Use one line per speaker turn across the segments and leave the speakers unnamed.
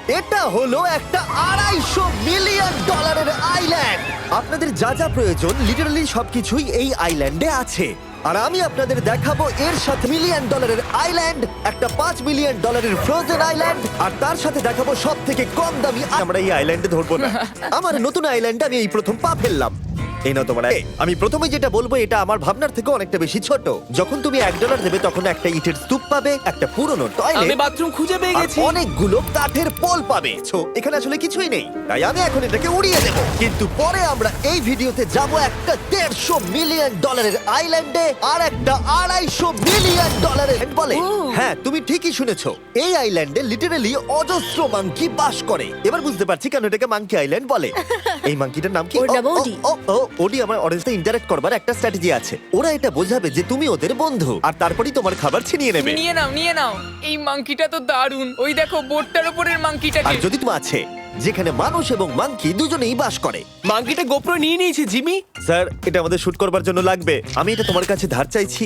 এটা হলো একটা $250 মিলিয়ন আইল্যান্ড। আপনাদের যা যা প্রয়োজন লিটারালি সবকিছুই এই আইল্যান্ডে আছে। আর আমি আপনাদের দেখাবো এর সাথে $1 মিলিয়ন আইল্যান্ড, একটা $5 মিলিয়ন ফ্রোজেন আইল্যান্ড, আর তার সাথে দেখাবো সব থেকে কম দামি। আমরা এই আইল্যান্ডে ধরবো না। আমার নতুন আইল্যান্ডে আমি এই প্রথম পা ফেললাম। এই নাও তোমার। আমি প্রথমে যেটা বলবো এটা আমার ভাবনার থেকে অনেকটা বেশি ছোট। যখন তুমি $1 দেবে তখন একটা ইটের স্তূপ পাবে, একটা পুরনো
আমি
টয়লেট,
বাথরুম খুঁজে পেয়ে
আর
গেছি।
অনেকগুলো কাঠের পোল পাবে। এখানে আসলে কিছুই নেই, তাই আমি এখন এটাকে উড়িয়ে দেব। কিন্তু পরে আমরা এই ভিডিওতে যাব একটা $150 মিলিয়ন আইল্যান্ডে, আর একটা $250 মিলিয়ন বলে। হ্যাঁ, তুমি ঠিকই শুনেছো, এই আইল্যান্ডে লিটারালি অজস্র মাঙ্কি বাস করে। এবার বুঝতে পারছি কেন এটাকে মাঙ্কি আইল্যান্ড বলে। এই মাঙ্কিটার নাম কি?
ওর নাম ওডি।
ওডি আমার অরেঞ্জে ইন্টারঅ্যাক্ট করবার একটা স্ট্র্যাটেজি আছে। ওরা এটা বোঝাবে যে তুমি ওদের বন্ধু, আর তারপরেই তোমার খাবার ছিনিয়ে নেবে।
নিয়ে নাও নিয়ে নাও। এই মাংকিটা তো দারুণ। ওই দেখো বোটটার উপরের
আর
মাংকিটাকে।
যদি তুমি আছে যেখানে মানুষ এবং মাঙ্কি দুজনেই বাস করে।
মাঙ্কিটা গোপ্রো নিয়ে নিয়েছে জিমি।
স্যার, এটা আমাদের শুট করবার জন্য লাগবে। আমি এটা তোমার কাছে ধার চাইছি।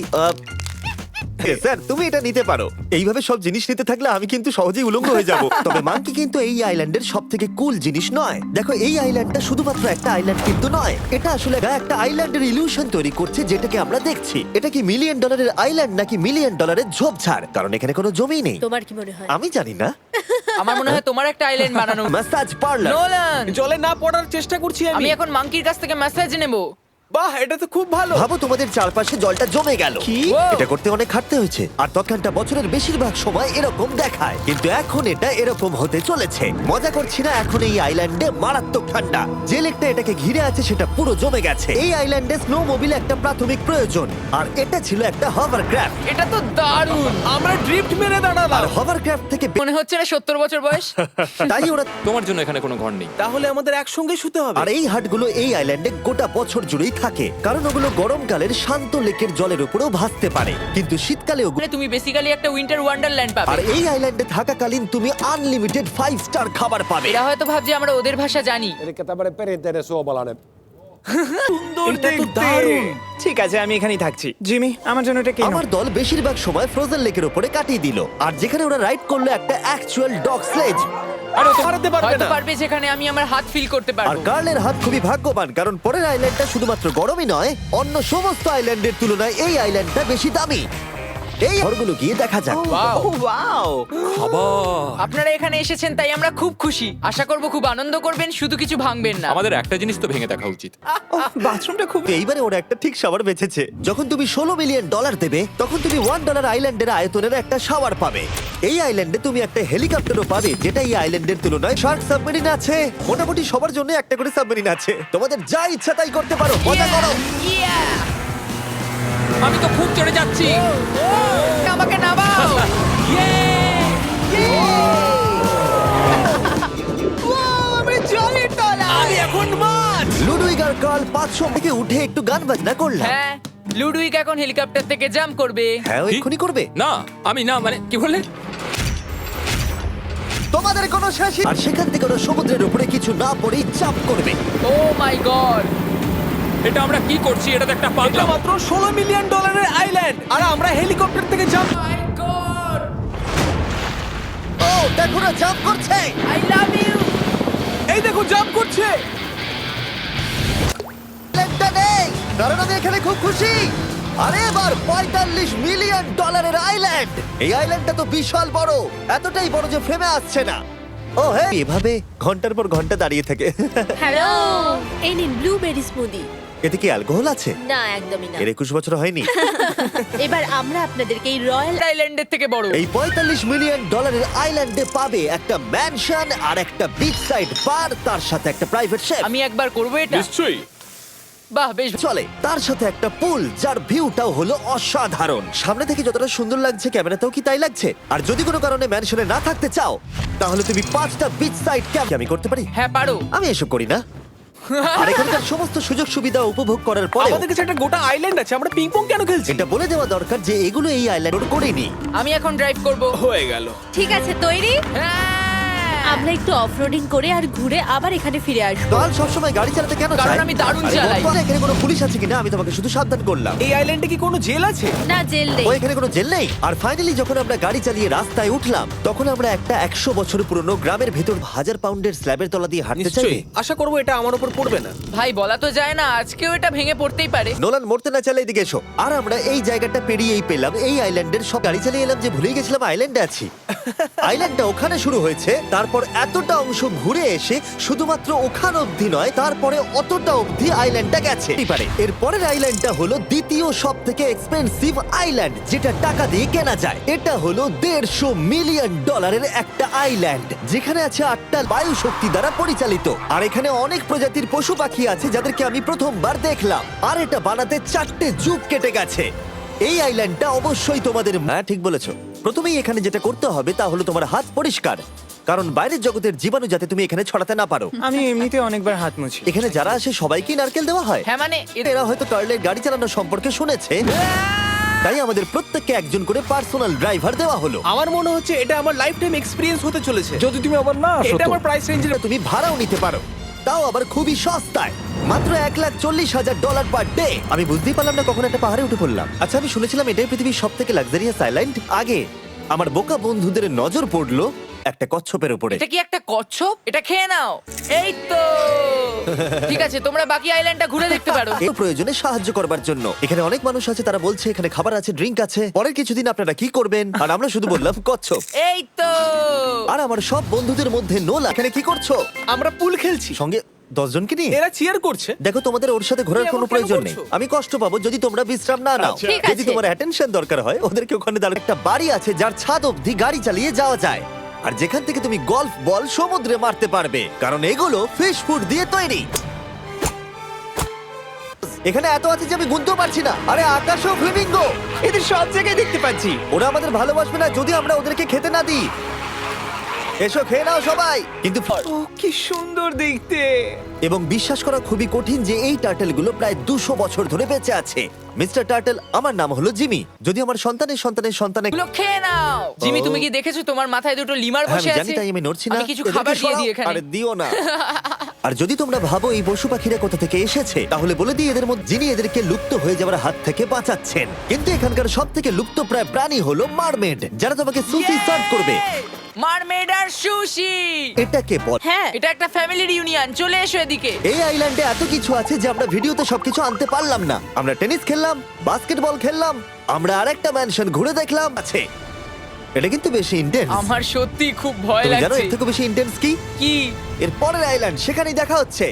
স্যার, তুমি এটা নিতে পারো। এইভাবে সব জিনিস নিতে থাকলে আমি কিন্তু সহজেই উলঙ্গ হয়ে যাব। তবে মাঙ্কি কিন্তু এই আইল্যান্ডের সব থেকে কুল জিনিস নয়। দেখো, এই আইল্যান্ডটা শুধুমাত্র একটা আইল্যান্ড কিন্তু নয়, এটা আসলে একটা আইল্যান্ডের ইলিউশন তৈরি করছে যেটাকে আমরা দেখছি। এটা কি $1 মিলিয়ন আইল্যান্ড নাকি $1 মিলিয়ন ঝোপঝাড়? কারণ এখানে কোনো জমি নেই।
তোমার কি মনে হয়?
আমি জানি না।
আমার মনে হয় তোমার একটা আইল্যান্ড বানানো।
Massage parlour.
নোলান,
জলে না পড়ার চেষ্টা করছি
আমি
আমি।
এখন মাংকির কাছ থেকে ম্যাসাজ নেব।
বাহ, এটা তো খুব ভালো।
ভাবো তোমাদের চারপাশে জলটা জমে গেল।
কি?
এটা করতে অনেক খাটতে হয়েছে, আর তখনটা বছরের বেশিরভাগ সময় এরকম দেখায়, কিন্তু এখন এটা এরকম হতে চলেছে। মজা করছি না, এখন এই আইল্যান্ডে মারাত্মক ঠান্ডা। যে লেকটা এটাকে ঘিরে আছে সেটা পুরো জমে গেছে। এই আইল্যান্ডে স্নো মোবিল একটা প্রাথমিক প্রয়োজন, আর এটা ছিল একটা হভারক্রাফট।
এটা তো দারুণ।
আমরা ড্রিফট মেরে দাঁড়ালাম।
আর হভারক্রাফট থেকে
মনে হচ্ছে না 70 বছর বয়স।
তাই ওরা
তোমার জন্য এখানে কোনো ঘর নেই।
তাহলে আমাদের একসঙ্গে শুতে হবে।
আর এই হাটগুলো এই আইল্যান্ডে গোটা বছর জুড়েই থাকে, কারণ ওগুলো গরমকালের শান্ত লেকের জলের উপরেও ভাসতে পারে, কিন্তু শীতকালে ওগুলো।
তুমি বেসিক্যালি একটা উইন্টার ওয়ান্ডারল্যান্ড
আর
পাবে।
এই আইল্যান্ডে থাকাকালীন তুমি আনলিমিটেড 5 স্টার খাবার পাবে।
এরা হয়তো ভাবছে আমরা ওদের ভাষা জানি।
Eli tämmöinen perinteinen suomalainen.
সুন্দর
এটা তো
দেখতে।
দারুণ। ঠিক আছে, আমি এখানেই থাকছি। জিমি, আমার জন্য এটা কেন?
আমার দল বেশিরভাগ সময় ফ্রোজেন লেকের উপরে কাটিয়ে দিল, আর যেখানে ওরা রাইড করলো একটা অ্যাকচুয়াল ডগ স্লেজ।
আর ও তো হারাতে পারবে
হয়তো
না।
পারবে যেখানে আমি আমার হাত ফিল করতে
আর
পারবো।
কার্লের হাত খুবই ভাগ্যবান, কারণ পরের আইল্যান্ডটা শুধুমাত্র গরমই নয়, অন্য সমস্ত আইল্যান্ডের তুলনায় এই আইল্যান্ডটা বেশি দামি। এই ঘরগুলো গিয়ে দেখা যাক।
ওয়াও, খাবার।
আপনারা এখানে এসেছেন তাই আমরা খুব খুশি। আশা করব খুব আনন্দ করবেন, শুধু কিছু ভাঙবেন না।
আমাদের একটা জিনিস তো ভেঙে দেখা উচিত।
বাথরুমটা খুব।
এইবারে ওরা একটা ঠিক শাওয়ার বেঁচেছে। যখন তুমি $16 মিলিয়ন দেবে, তখন তুমি $1 আইল্যান্ডের আয়তনের একটা শাওয়ার পাবে। এই আইল্যান্ডে তুমি একটা হেলিকপ্টারও পাবে, যেটা এই আইল্যান্ডের তুলনায় শার্ক সাবমেরিন আছে। মোটামুটি সবার জন্য একটা করে সাবমেরিন আছে। তোমাদের যা ইচ্ছা তাই করতে পারো, মজা করো।
Yeah!
আমি তো খুব চড়ে যাচ্ছি।
আমাকে নামাও।
আমি জলের তলায়। আমি এখন মাছ।
লুডুইগ আর কার্ল 500 থেকে উঠে একটু গান বাজনা করলাম।
হ্যাঁ, লুডুইক এখন হেলিকপ্টার থেকে জাম্প করবে।
হ্যাঁ,
কি?
এক্ষুনি করবে।
না, আমি না, মানে কি বললে?
তোমাদের কোনো শেষই। আর সেখান থেকে ওরা সমুদ্রের উপরে কিছু না পড়েই চাপ করবে।
Oh my god!
এটা আমরা কি করছি? এটা তো একটা
এটা
পাগলাম।
মাত্র $16 মিলিয়ন আইল্যান্ড, আর আমরা হেলিকপ্টার থেকে জাম্প।
মাই গড!
ও, দেখো না, জাম্প করছে।
I love you.
এই দেখো জাম্প করছে।
আইল্যান্ডটা নেই, কারণ আমি এখানে খুব খুশি। আরে এবার $45 মিলিয়ন আইল্যান্ড। এই আইল্যান্ডটা তো বিশাল বড়, এতটাই বড় যে ফ্রেমে আসছে না। ও হ্যাঁ, এভাবে ঘন্টার পর ঘন্টা দাঁড়িয়ে থাকে।
হ্যালো, এই নিন ব্লুবেরি স্মুদি।
এতে কি অ্যালকোহল আছে?
না, একদমই না।
এর 21 বছর হয়নি।
এবার আমরা আপনাদেরকে এই রয়্যাল
আইল্যান্ডের থেকে বড়।
এই $45 মিলিয়ন আইল্যান্ডে পাবে একটা ম্যানশন আর একটা বিচ সাইড বার, তার সাথে একটা প্রাইভেট শেফ।
আমি একবার করব এটা।
নিশ্চয়ই।
বাহ, বেশ।
চলে তার সাথে একটা পুল, যার ভিউটাও হলো অসাধারণ। সামনে থেকে যতটা সুন্দর লাগছে, ক্যামেরাতেও কি তাই লাগছে? আর যদি কোনো কারণে ম্যানশনে না থাকতে চাও, তাহলে তুমি 5টা বিচ সাইড ক্যাম্প আমি করতে পারি।
হ্যাঁ, পারো।
আমি এসব করি না। আর এখানকার সমস্ত সুযোগ সুবিধা উপভোগ করার পরে
আমাদের কাছে একটা গোটা আইল্যান্ড আছে, আমরা পিং পং কেন খেলছি?
এটা বলে দেওয়া দরকার যে এগুলো এই আইল্যান্ড করেনি।
আমি এখন ড্রাইভ করব।
হয়ে গেল।
ঠিক আছে, তৈরি?
হ্যাঁ!
আমরা একটু অফরোডিং করে আর ঘুরে আবার এখানে ফিরে আসবো।
কাল সবসময় গাড়ি চালাতে কেন
কারণ
চায়?
আমি দারুণ
আরে
চালাই।
বন্ধু, এখানে কোনো পুলিশ আছে কিনা আমি তোমাকে শুধু সাবধান করলাম।
এই আইল্যান্ডে কি কোনো জেল আছে?
না, জেল নেই।
ও এখানে কোনো জেল নেই। আর ফাইনালি যখন আমরা গাড়ি চালিয়ে রাস্তায় উঠলাম তখন আমরা একটা 100 বছর পুরনো গ্রামের ভেতর 1000 পাউন্ডের স্ল্যাবের তলা দিয়ে হাঁটতে চাই।
নিশ্চয়ই। আশা করবো এটা আমার উপর পড়বে না।
ভাই বলা তো যায় না, আজকেও এটা ভেঙে পড়তেই পারে।
নোলান মরতে না চাইলে এদিকে এসো। আর আমরা এই জায়গাটা পেরিয়েই পেলাম এই আইল্যান্ডের সব গাড়ি চালিয়ে এলাম যে ভুলেই গেছিলাম আইল্যান্ডে আছি। আইল্যান্ডটা ওখানে শুরু হয়েছে, তারপর এতটা অংশ ঘুরে এসে শুধুমাত্র ওখান অবধি নয়, তারপরে অতটা অবধি আইল্যান্ডটা গেছে। এর পরের আইল্যান্ডটা হলো দ্বিতীয় সব থেকে এক্সপেন্সিভ আইল্যান্ড, যেটা টাকা দিয়ে কেনা যায়। এটা হলো $150 মিলিয়ন একটা আইল্যান্ড, যেখানে আছে 8টা বায়ু শক্তি দ্বারা পরিচালিত। আর এখানে অনেক প্রজাতির পশু পাখি আছে যাদেরকে আমি প্রথমবার দেখলাম। আর এটা বানাতে 4টে যুগ কেটে গেছে। এই আইল্যান্ডটা অবশ্যই তোমাদের, হ্যাঁ ঠিক বলেছো। প্রথমেই এখানে যেটা করতে হবে তা হলো তোমার হাত পরিষ্কার, কারণ বাইরের জগতের জীবাণু যাতে তুমি এখানে ছড়াতে না পারো।
আমি এমনিতে অনেকবার হাত মুছি।
এখানে যারা আসে সবাইকেই নারকেল দেওয়া হয়।
হ্যাঁ মানে
এরা হয়তো কার্লের গাড়ি চালানো সম্পর্কে শুনেছে, তাই আমাদের প্রত্যেককে একজন করে পার্সোনাল ড্রাইভার দেওয়া হলো।
আমার মনে হচ্ছে এটা আমার লাইফ টাইম এক্সপিরিয়েন্স হতে চলেছে।
যদি তুমি আবার না আসো
এটা
তো।
আমার প্রাইস রেঞ্জের।
তুমি ভাড়াও নিতে পারো, তাও আবার খুবই সস্তায়, মাত্র $1,40,000 পার ডে। আমি বুঝতেই পারলাম না কখন একটা পাহাড়ে উঠে পড়লাম। আচ্ছা, আমি শুনেছিলাম এটাই পৃথিবীর সব থেকে লাক্সারিয়াস আইল্যান্ড। আগে আমার বোকা বন্ধুদের নজর পড়লো একটা কচ্ছপের উপরে।
এটা কি একটা কচ্ছপ? এটা খেয়ে নাও। এই তো ঠিক আছে, তোমরা বাকি আইল্যান্ডটা ঘুরে দেখতে পারো।
এই প্রয়োজনে সাহায্য করবার জন্য এখানে অনেক মানুষ আছে, তারা বলছে এখানে খাবার আছে, ড্রিঙ্ক আছে, পরের কিছুদিন আপনারা কি করবেন? আর আমরা শুধু বললাম কচ্ছপ।
এই তো
আর আমার সব বন্ধুদের মধ্যে নোলা, এখানে কি করছো?
আমরা পুল খেলছি।
সঙ্গে 10 জনকে নিয়ে?
এরা চিয়ার করছে।
দেখো, তোমাদের ওর সাথে ঘোরার
তুমি
কোনো
এমন কেন
প্রয়োজন নেই।
করছো?
আমি কষ্ট পাবো যদি তোমরা বিশ্রাম না নাও।
ঠিক
যদি
আছে।
তোমার অ্যাটেনশন দরকার হয়, ওদেরকে ওখানে দাঁড়ানো একটা বাড়ি আছে যার ছাদ অবধি গাড়ি চালিয়ে যাওয়া যায়, আর যেখান থেকে তুমি গলফ বল সমুদ্রে মারতে পারবে, কারণ এগুলো ফিশ ফুড দিয়ে তৈরি। এখানে এত আছে যে আমি গুনতেও পারছি না। আরে আকাশও ফ্লেমিঙ্গো,
এদের সব জায়গায় দেখতে পাচ্ছি।
ওরা আমাদের ভালোবাসবে না যদি আমরা ওদেরকে খেতে না দিই। এসো খেয়ে নাও সবাই। কিন্তু
ও কি সুন্দর দেখতে।
এবং বিশ্বাস করা খুবই কঠিন যে এই টার্টেলগুলো প্রায় 200 বছর ধরে বেঁচে আছে। মিস্টার টার্টেল, আমার নাম হলো জিমি। যদি আমার সন্তানের সন্তানের সন্তানের,
এগুলো খেয়ে নাও। জিমি, তুমি কি দেখেছো তোমার মাথায় দুটো লিমার
হ্যাঁ,
বসে
আমি
আছে?
জানি, তাই আমি নড়ছি না।
আমি কিছু
এদেরকে
খাবার দিয়ে
সরাও।
দিই এখানে।
আরে দিও না। আর যদি তোমরা ভাবো এই পশু পাখিরা কোথা থেকে এসেছে, তাহলে বলে দিই এদের মধ্যে যিনি এদেরকে লুপ্ত হয়ে যাওয়ার হাত থেকে বাঁচাচ্ছেন। কিন্তু এখানকার সব থেকে লুপ্ত প্রায় প্রাণী হলো মারমেড, যারা তোমাকে সুশি সার্ভ করবে।
মারমেড আর সুশি।
এটাকে বল।
হ্যাঁ,
এটা একটা ফ্যামিলি রিউনিয়ন। চলে এসো এদিকে।
এই আইল্যান্ডে এত কিছু আছে যে আমরা ভিডিওতে সবকিছু আনতে পারলাম না। আমরা টেনিস খেললাম, বাস্কেটবল খেললাম, আমরা আরেকটা ম্যানশন ঘুরে দেখলাম। আছে, এটা কিন্তু বেশি ইন্টেন্স।
আমার সত্যি খুব ভয়
তুমি জানো
লাগছে।
এর থেকে বেশি ইন্টেন্স কি?
কি?
এর পরের আইল্যান্ড, সেখানেই দেখা হচ্ছে।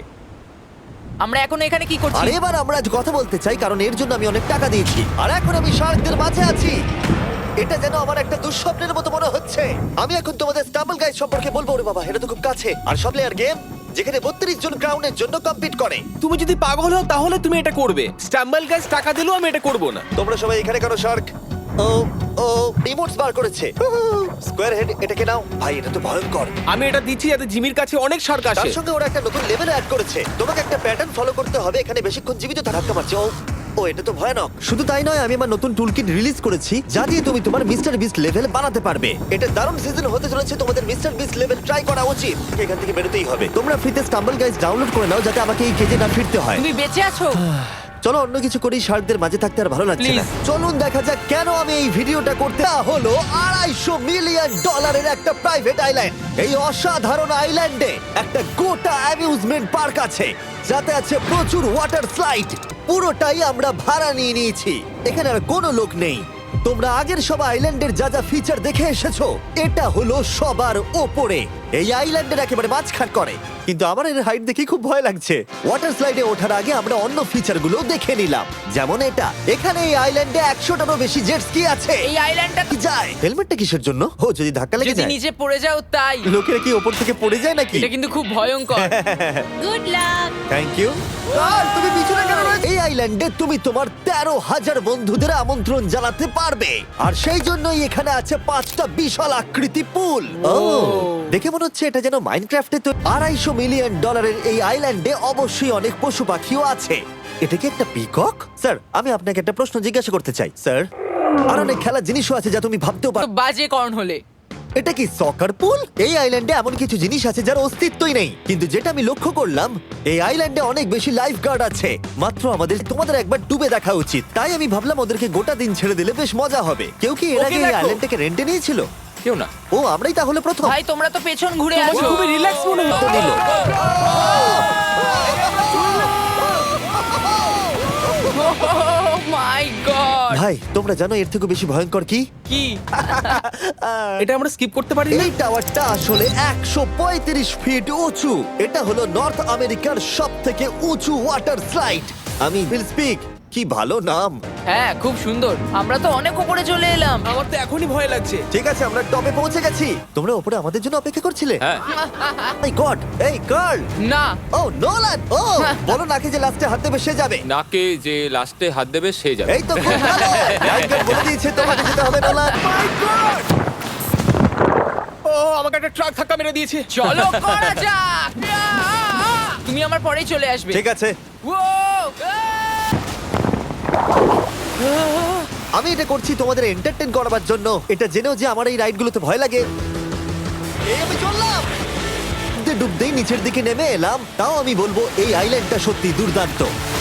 আমরা এখন এখানে কি করছি?
আর এবার আমরা আজ কথা বলতে চাই, কারণ এর জন্য আমি অনেক টাকা দিয়েছি। আর এখন আমি শার্কদের মাঝে আছি। এটা যেন আমার একটা দুঃস্বপ্নের মতো মনে হচ্ছে। আমি এখন তোমাদের স্টাম্বল গাইজ সম্পর্কে বলবো। ওরে বাবা, এটা তো খুব কাছে। আর সব প্লেয়ার গেম, যেখানে 32 জন ক্রাউনের জন্য কম্পিট করে।
তুমি যদি পাগল হও তাহলে তুমি এটা করবে। স্ট্যাম্বল গাইজ টাকা দিলেও আমি এটা করব না।
তোমরা সবাই এখানে কেন শার্ক? ও ও রিমোটস বার করেছে। স্কোয়ার হেড, এটাকে নাও। ভাই, এটা তো ভয়ঙ্কর।
আমি এটা দিচ্ছি যাতে জিমির কাছে অনেক শার্ক
তার
আসে।
সঙ্গে ওরা একটা নতুন লেভেল অ্যাড করেছে। তোমাকে একটা প্যাটার্ন ফলো করতে হবে এখানে বেশিক্ষণ জীবিত থাকতে পারছো। ও এটা তো ভয়ানক। শুধু তাই নয়, আমি আমার নতুন টুলকিট রিলিজ করেছি যা দিয়ে তুমি তোমার মিস্টার বিস্ট লেভেল বানাতে পারবে। এটা দারুণ সিজন হতে চলেছে, তোমাদের মিস্টার বিস্ট লেভেল ট্রাই করা উচিত। এখান থেকে বেরোতেই হবে। তোমরা ফ্রিতে স্টাম্বল গাইজ ডাউনলোড করে নাও যাতে আমাকে এই কেজে না ফিরতে হয়।
তুমি বেঁচে আছো?
চলো অন্য কিছু করি, শার্কদের মাঝে থাকতে আর ভালো লাগছে না।
Please.
চলুন দেখা যাক কেন আমি এই ভিডিওটা করতে। তা হলো $250 মিলিয়ন একটা প্রাইভেট আইল্যান্ড। এই অসাধারণ আইল্যান্ডে একটা গোটা অ্যামিউজমেন্ট পার্ক আছে, যাতে আছে প্রচুর ওয়াটার স্লাইড। পুরোটাই আমরা ভাড়া নিয়ে নিয়েছি। এখানে আর কোনো লোক নেই। তোমরা আগের সব আইল্যান্ডের যা যা ফিচার দেখে এসেছো, এটা হলো সবার ওপরে। এই আইল্যান্ডের একেবারে মাঝখান করে। কিন্তু আমার এর হাইট দেখে খুব ভয় লাগছে। ওয়াটার স্লাইডে ওঠার আগে আমরা অন্য ফিচারগুলো দেখে নিলাম, যেমন এটা। এখানে এই আইল্যান্ডে 100টারও বেশি জেট স্কি আছে।
এই আইল্যান্ডটা
কি যায়? হেলমেটটা কিসের জন্য? ও, যদি ধাক্কা লেগে
যদি
যায়।
নিচে পড়ে যাও তাই।
লোকেরা কি ওপর থেকে পড়ে যায় নাকি?
এটা কিন্তু খুব ভয়ঙ্কর।
Good luck.
Thank you. তুমি পিছনে কেন রয়েছো? এই আইল্যান্ডে তুমি তোমার 13,000 বন্ধুদের আমন্ত্রণ জানাতে পারবে। আর সেই জন্যই এখানে আছে 5টা বিশাল আকৃতি পুল। ও, দেখে মনে হচ্ছে এটা যেন মাইনক্রাফটে। তো $250 মিলিয়ন এই আইল্যান্ডে অবশ্যই অনেক পশু পাখিও আছে। এটা কি একটা পিকক? স্যার, আমি আপনাকে একটা প্রশ্ন জিজ্ঞাসা করতে চাই। স্যার, আর অনেক খেলার জিনিসও আছে যা তুমি ভাবতেও
তো
পারো।
বাজে কর্ন হলে।
এটা কি সকার পুল? এই আইল্যান্ডে এমন কিছু জিনিস আছে যার অস্তিত্বই নেই, কিন্তু যেটা আমি লক্ষ্য করলাম এই আইল্যান্ডে অনেক বেশি লাইফ গার্ড আছে। মাত্র তোমাদের একবার ডুবে দেখা উচিত। তাই আমি ভাবলাম ওদেরকে গোটা দিন ছেড়ে দিলে বেশ মজা হবে। কেউ কি এর
ওকে
আগে এই
দেখো।
আইল্যান্ডটাকে রেন্টে নিয়েছিল?
কেউ না।
ও, আমরাই তাহলে প্রথম।
ভাই তোমরা তো পেছন ঘুরে
তোমাকে
আছো।
খুবই রিল্যাক্স মনে হতো নিল।
My god!
ভাই, তোমরা জানো এর থেকে বেশি ভয়ঙ্কর কি?
কি এটা আমরা স্কিপ করতে পারি না?
এই টাওয়ারটা আসলে 135 ফিট উঁচু। এটা হলো নর্থ আমেরিকার সব থেকে উঁচু ওয়াটার স্লাইড। আমি উইল স্পিক, কি ভালো নাম।
হ্যাঁ, খুব সুন্দর। আমরা তো অনেক উপরে চলে এলাম।
আমার তো এখনই ভয় লাগছে।
ঠিক আছে, আমরা টপে পৌঁছে গেছি। তোমরা উপরে আমাদের জন্য অপেক্ষা করছিলে?
হ্যাঁ।
মাই গড, এই গার্ল।
না,
ও নোলান, ও বলো নাকি যে লাস্টে হাত দেবে সে যাবে।
নাকে যে লাস্টে হাত দেবে সে যাবে।
এই তো খুব ভালো। রাইডার বলে দিয়েছে তোমাকে যেতে হবে নোলান।
ও আমাকে একটা ট্রাক ধাক্কা মেরে দিয়েছে।
চলো করা যাক। তুমি আমার পরেই চলে আসবে।
ঠিক আছে,
ও!
আমি এটা করছি তোমাদের এন্টারটেইন করার জন্য। এটা জেনেও যে আমার এই রাইডগুলোতে ভয় লাগে। এই আমি চললাম, ডুবতেই নিচের দিকে নেমে এলাম। তাও আমি বলবো এই আইল্যান্ডটা সত্যি দুর্দান্ত।